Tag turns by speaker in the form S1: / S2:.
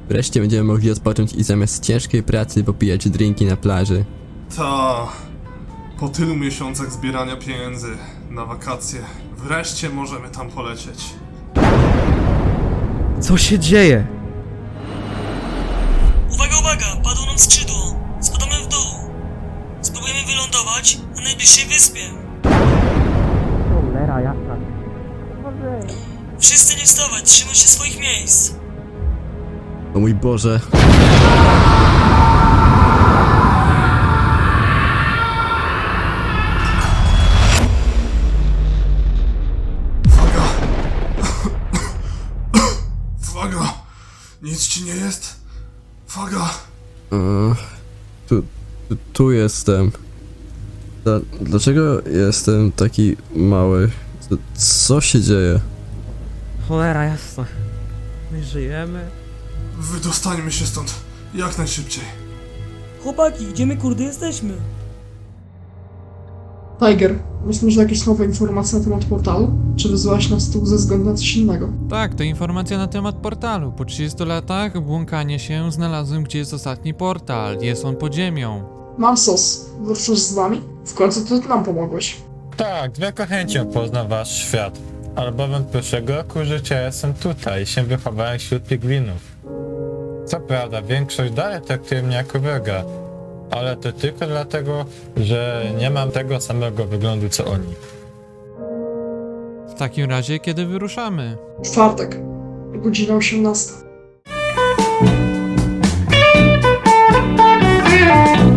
S1: Wreszcie będziemy mogli odpocząć i zamiast ciężkiej pracy popijać drinki na plaży.
S2: Ta. Po tylu miesiącach zbierania pieniędzy na wakacje, wreszcie możemy tam polecieć.
S3: Co się dzieje?
S4: Uwaga, uwaga! Padło nam skrzydło! Spadamy w dół! Spróbujemy wylądować na najbliższej wyspie.
S3: Cholera jasna.
S4: Wszyscy nie wstawać, trzymać się swoich miejsc.
S1: O mój Boże.
S2: Uwaga! Uwaga! Nic ci nie jest? Uwaga!
S1: Tu jestem. Dlaczego jestem taki mały? Co się dzieje?
S3: Cholera jasna. My żyjemy?
S2: Wydostańmy się stąd jak najszybciej.
S4: Chłopaki, gdzie my kurde jesteśmy?
S5: Tiger, myślisz, że jakieś nowe informacje na temat portalu? Czy wyzwałaś nas tu ze względu na coś innego?
S6: Tak, to informacja na temat portalu. Po 30 latach błąkania się znalazłem, gdzie jest ostatni portal. Jest on pod ziemią.
S5: Mam sos. Wyruszysz z nami? W końcu ty nam pomogłeś.
S7: Tak, z wielką chęcią poznam wasz świat. Albowiem od pierwszego roku życia jestem tutaj i się wychowałem wśród pigwinów. Co prawda, większość dalej traktuje mnie jako wroga, ale to tylko dlatego, że nie mam tego samego wyglądu co oni.
S6: W takim razie, kiedy wyruszamy?
S5: Czwartek. Godzina 18.